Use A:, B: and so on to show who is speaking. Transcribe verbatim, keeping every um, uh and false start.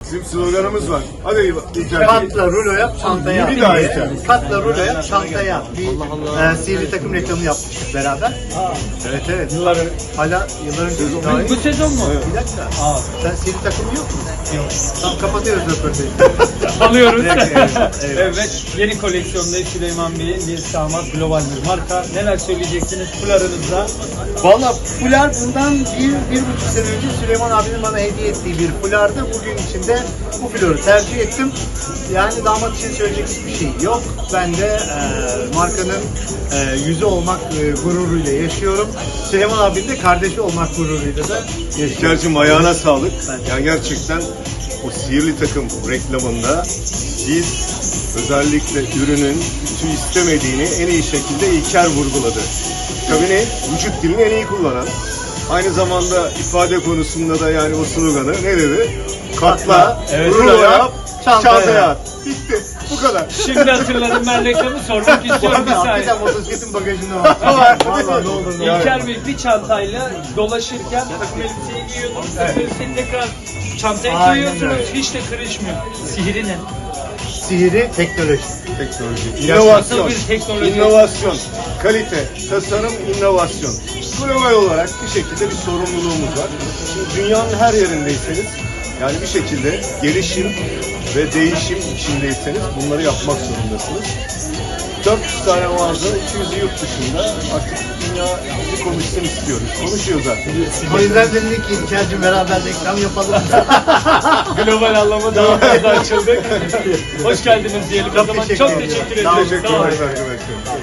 A: Bizim sloganımız var. Hadi İlker.
B: Katla rulo yap, çantaya at.
A: Bir daha İlker.
B: Katla rulo yap, çantaya at. Bir e, sihirli takım reklamı yapmıştık beraber. Evet evet.
C: Yılların
B: Hala yıllar önce daha
C: bu sezon mu?
B: Bir dakika. Aa, sen sihirli takımın yok mu? Yok. Tamam kapatıyoruz röportajı.
C: Alıyoruz.
B: Evet, evet.
C: Evet, yeni koleksiyonda Süleyman Bey'in bir Samat global bir marka. Neler söyleyeceksiniz fularınızda?
B: Valla fular bundan bir, bir buçuk sene önce Süleyman abinin bana hediye ettiği bir fulardı. Bugün içinde bu fuları tercih ettim. Yani damat için söyleyecek hiçbir şey yok. Ben de e, markanın e, yüzü olmak e, gururuyla yaşıyorum. Süleyman abinin de kardeşi olmak gururuyla da yaşıyorum.
A: İlker'cim ayağına sağlık.
B: Ben-
A: Yani gerçekten o sihirli takım reklamında biz özellikle ürünün ütü istemediğini en iyi şekilde İlker vurguladı. Tabii ne? Vücut dilini en iyi kullanan. Aynı zamanda ifade konusunda da yani o sloganı ne dedi? Katla,
C: Evet,
A: rulo
C: rulo
A: yap,
C: yap,
B: çantaya
A: çantaya
B: at.
A: at. Bitti. Bu kadar.
C: Şimdi hatırladım, ben reklamı sormak
B: Bu
C: istiyorum bir
B: arada
C: saniye.
B: hakikaten motosikletin bagajında var. Valla ne olur ne olur.
C: İlker Bey bir çantayla dolaşırken takım elbiseyi giyiyordum. Takım elbiseyi tekrar çantaya
B: Aynen
C: giyiyorsunuz.
B: öyle.
C: Hiç de kırışmıyor. Sihri ne?
B: Sihiri teknoloji.
A: Teknoloji.
C: Nasıl
A: İnovasyon.
C: bir teknoloji?
A: İnovasyon. Kalite, tasarım, inovasyon. Global olarak bir şekilde bir sorumluluğumuz var. Şimdi dünyanın her yerindeyseniz yani bir şekilde gelişim ve değişim içindeyseniz bunları yapmak zorundasınız. dört yüz tane mağaza, iki yüzü yurt dışında. Artık dünya bizi konuşsun istiyoruz. Konuşuyor zaten.
B: O yüzden dedik ki İlker'cim beraber reklam yapalım.
C: Global anlamda daha fazla açıldık. Hoş geldiniz diyelim. O
B: Çok
C: zaman
B: teşekkür
C: çok
B: ediyorum.
C: teşekkür
B: Sağ olun.
C: ederim.
A: Teşekkür
C: Sağ olun.
A: ederiz arkadaşlar.